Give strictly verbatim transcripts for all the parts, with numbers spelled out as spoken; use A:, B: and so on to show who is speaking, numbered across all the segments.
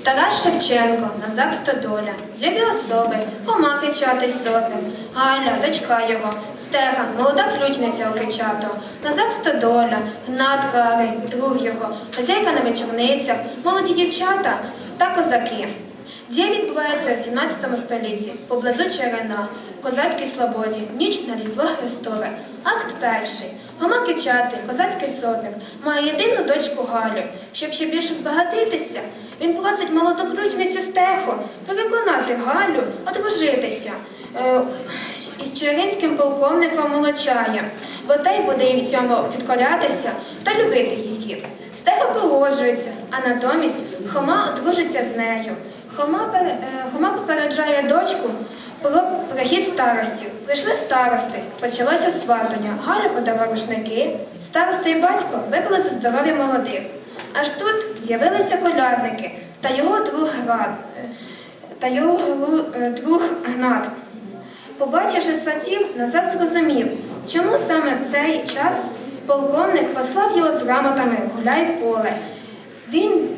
A: Тарас Шевченко, Назар Стодоля, дві особи, Хома кичатий сотник, Галя, дочка його, Стега, молода ключниця Окичатого, Назар Стодоля, Гнат Карий, друг його, хазяйка на вечорницях, молоді дівчата та козаки. Дія відбувається у сімнадцятому столітті, поблизу Черена, в козацькій Слободі, ніч на Різдво Христове. Акт перший. Хома Кичатий, козацький сотник, має єдину дочку Галю. Щоб ще більше збагатитися, він просить молоду ключницю Стеху переконати Галю одружитися е, із черинським полковником Молочаєм, бо той буде їй всьому підкорятися та любити її. Стега погоджується, а натомість Хома одружиться з нею. Хома, пер, е, Хома попереджає дочку про прихід старостів. Прийшли старости, почалося сватання. Галя подала рушники, старости і батько випили за здоров'я молодих. Аж тут з'явилися колядники та його друг Град, та його друг Гнат. Побачивши сватів, Назар зрозумів, чому саме в цей час полковник послав його з грамотами в Гуляй-Поле. Він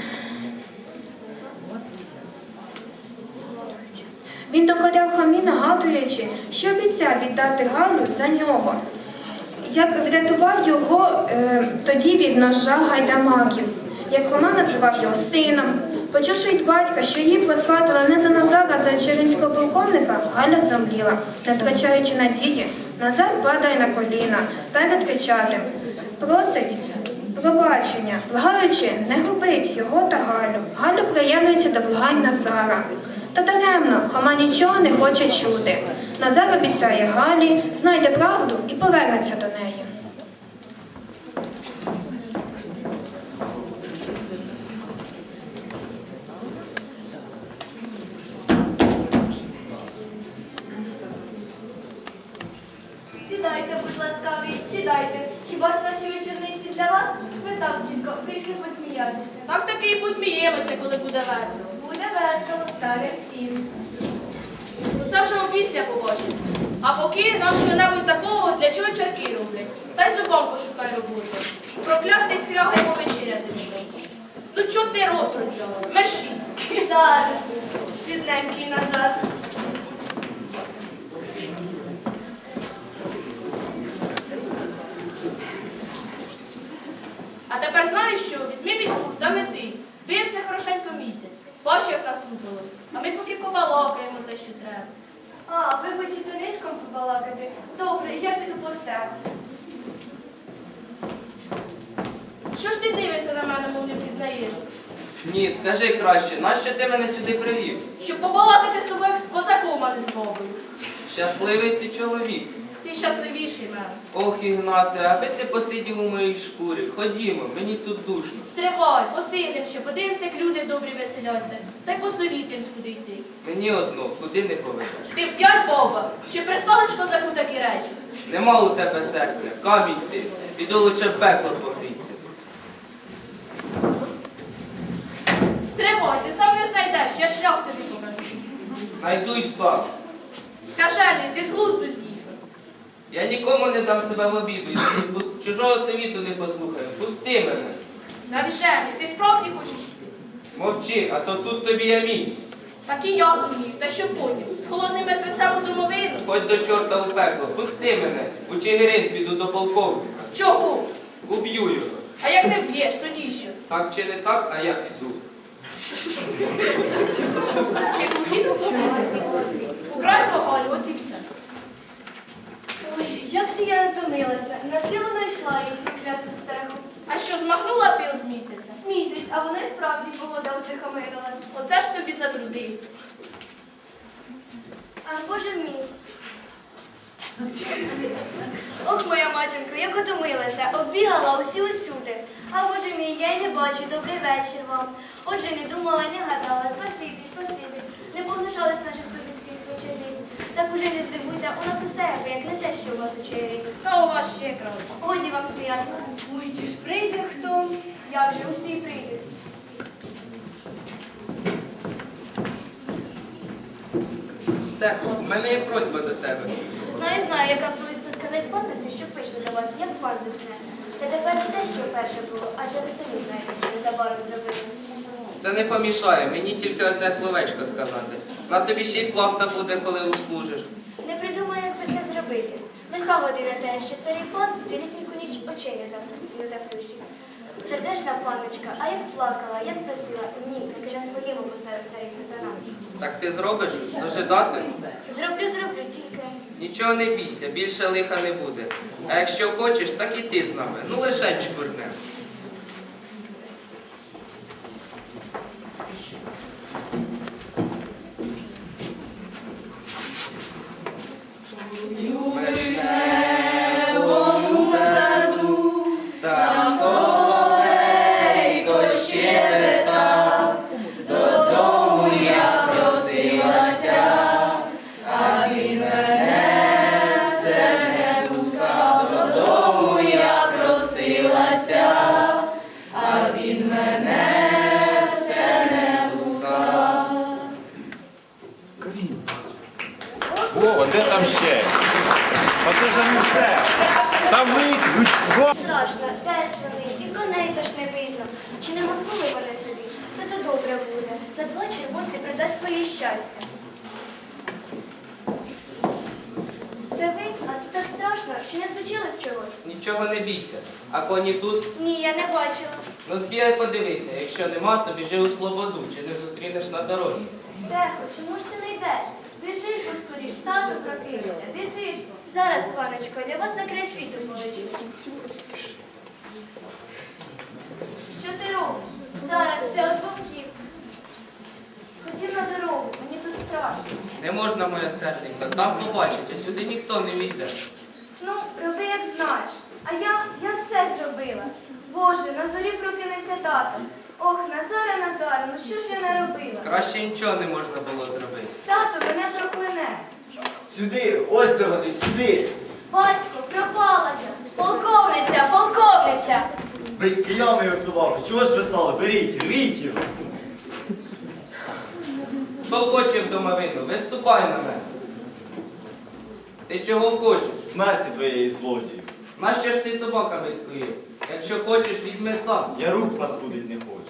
A: Він докоряв Хомі, нагадуючи, що обіцяв віддати Галю за нього, як врятував його е, тоді від ножа гайдамаків, як Хома називав його сином. Почувши від батька, що її просватили не за Назара, а за черинського полковника, Галя зомліла. Не втрачаючи надії, Назар падає на коліна перед Кичатим, просить пробачення, благаючи, не губить його та Галю. Галя приєднується до благань Назара. Та даремно, Хома нічого не хоче чути. Назар обіцяє Галі, знайде правду і повернеться до неї.
B: Сідайте, будь ласкаві, сідайте. Хіба ж наші вечорниці для вас? Ми так, тітко, прийшли посміятися.
C: Так таки і посміємося, коли буде весело.
B: Буде весело, та не всім.
C: Ну це вже опісля побачимо. А поки нам чого-небудь такого, для чого чарки роблять. Та й зубом пошукай роботу. Проклятий скряга й повечеряти не дай. Ну чого ти рот роззяла? Мерші.
B: Зараз, бідненький Назар.
C: А тепер знаєш що? Візьми підгур та мети. Висне хорошенько місяць. Бачу, як нас лупило. А ми поки побалакаємо те, що треба.
B: А, ви хочете нишком побалакати? Добре, я піду по стегу.
C: Що ж ти дивишся на мене, мов не пізнаєш?
D: Ні, скажи краще, нащо ти мене сюди привів?
C: Щоб побалакати з тобою як з козаком, а не з мовою.
D: Щасливий ти чоловік.
C: Ти щасливіший мене.
D: Ох, Ігнате, аби ти посидів у моїй шкурі. Ходімо, мені тут душно.
C: Стривай, посидим ще, подивимося, як люди добрі веселяться. Та й посовітимось, куди йти.
D: Мені одно, куди не поведеш.
C: Ти вп'ять баба, чи пристанеш козаку такі речі?
D: Нема у тебе серця, камінь ти. Піду лише в пекло погріться.
C: Стривай, ти сам не знайдеш, я шлях тобі покажу.
D: Найду й сам.
C: Скажений, ти з глузду з'їхав.
D: Я нікому не дам себе в обіду, і пус- чужого совіту не послухаю. Пусти мене.
C: Навіжений, ти справді хочеш йти?
D: Мовчи, а то тут тобі ямінь.
C: Так і я зумію, та що потім? З холодним мертвецем у домовину?
D: Хоч до чорта у пекло. Пусти мене. У Чигирин піду до полковника.
C: Чого?
D: Уб'ю його.
C: А як не вб'єш, тоді що?
D: Так чи не так, а я піду.
C: Чи поїду побити? Украй Галю, от і все.
B: Ой, як же я натомилася. Насилу знайшла її прокляту стегу.
C: А що, змахнула пил з місяця?
B: Смійтесь, а вони справді погода утихомирилась.
C: Оце ж тобі за труди.
B: А, Боже мій. Ох, моя матінко, як утомилася, оббігала усі усюди. А Боже мій, я й не бачу, добрий вечір вам. Отже, не думала, не гадала, спасибі, спасибі. Не погнушались наших собіських вечорів. Так уже не здивуйте, у нас усе, як не те, що у вас у чаї.
C: Та у вас ще краще.
B: Годі вам сміятися. Ой, чи ж прийде хто? Як же, усі прийдуть.
D: Стехо, в мене є просьба до тебе.
B: Знаю, знаю, яка просьба сказати панниці, що пише до вас, як пан засне. Та тепер не те, що перше було, а через самі знаєте, що незабаром зробилось.
D: Це не помішає, мені тільки одне словечко сказати. На тобі ще й плахта буде, коли услужиш.
B: Не придумаю, як би це зробити. Лиха година те, що старий пан цілісіньку ніч очей не зап- не заплющив. Сердечна панночка, а як плакала, як просила, ні, таки на своєму поставив старий сатана.
D: Так ти зробиш? Дожидати?
B: Зроблю, зроблю, тільки.
D: Нічого не бійся, більше лиха не буде. А якщо хочеш, так і ти з нами. Ну лише чкурне. Там соловейко щебетав, додому я просилася, а він мене все не пускав, додому я просилася, а він мене все не пускав.
E: О, де там ще? А це ж не все. Там вийдуть.
B: Страшно, теж вони, і коней теж не видно. Чи не махнули вони собі? То то добре буде. За два червонці придать своє щастя. Це ви? А тут так страшно. Чи не случилось чогось?
D: Нічого не бійся. А коні тут?
B: Ні, я не бачила.
D: Ну збігай подивися. Якщо нема, то біжи у Слободу, чи не зустрінеш на дорозі.
B: Стехо, чому ж ти не йдеш? Біжиш, бо скоріш, тато прокинеться. Біжиш. Зараз, паночко, для вас на край світу полечу. Що ти робиш? Зараз, це от вовків. Ходім на дорогу, мені тут страшно.
D: Не можна, моя серденька, там побачить, а сюди ніхто не війде.
B: Ну, роби як знаєш. А я, я все зробила. Боже, на зорі прокинеться тато. Ох, Назаре, Назаре, ну що ж я наробила?
D: Краще нічого не можна було зробити.
B: Тато мене прокляне.
F: Сюди, ось де вони, сюди.
B: Батько, пропала я. Полковниця, полковниця.
F: Бить киями його собаку. Чого ж ви стали? Беріть, рвіть його.
D: Хто хоче в домовину, виступай на мене. Ти чого хочеш?
F: Смерті твоєї злодію.
D: Нащо ж ти собаками скоїв? Якщо хочеш, візьми сам.
F: Я рук паскудить не хочу.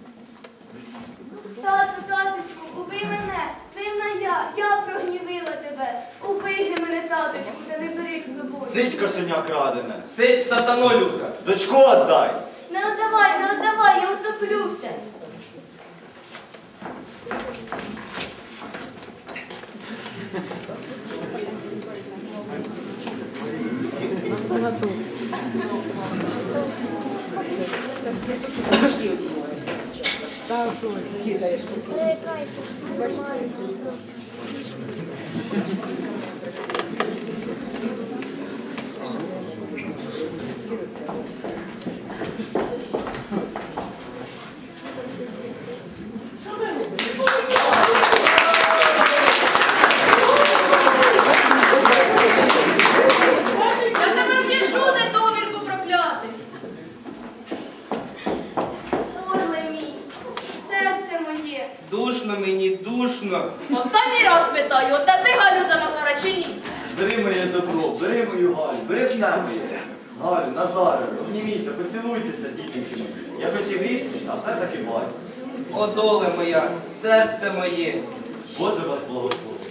B: Тату, таточку, убий мене. Винна я, я прогнівила тебе. Убий же мене, таточку, та не бери з собою.
F: Цить кошеня крадене.
D: Цить сатано люта.
F: Дочку отдай.
B: Не отдавай, не отдавай, я утоплюся.
C: Я тебе в'яжу, недовірку проклятий.
B: Орле мій, серце моє.
D: Душно мені, душно.
C: Останній раз питаю, отдаси Галю за Назара чи ні?
F: Бери моє добро, бери мою Галю, бери все моє. Галю, Назаре, обніміться, поцілуйтеся, дітеньки мої. Я хоч і грішний, а все-таки бачу.
D: О, доле моя, серце моє.
F: Боже вас благослови.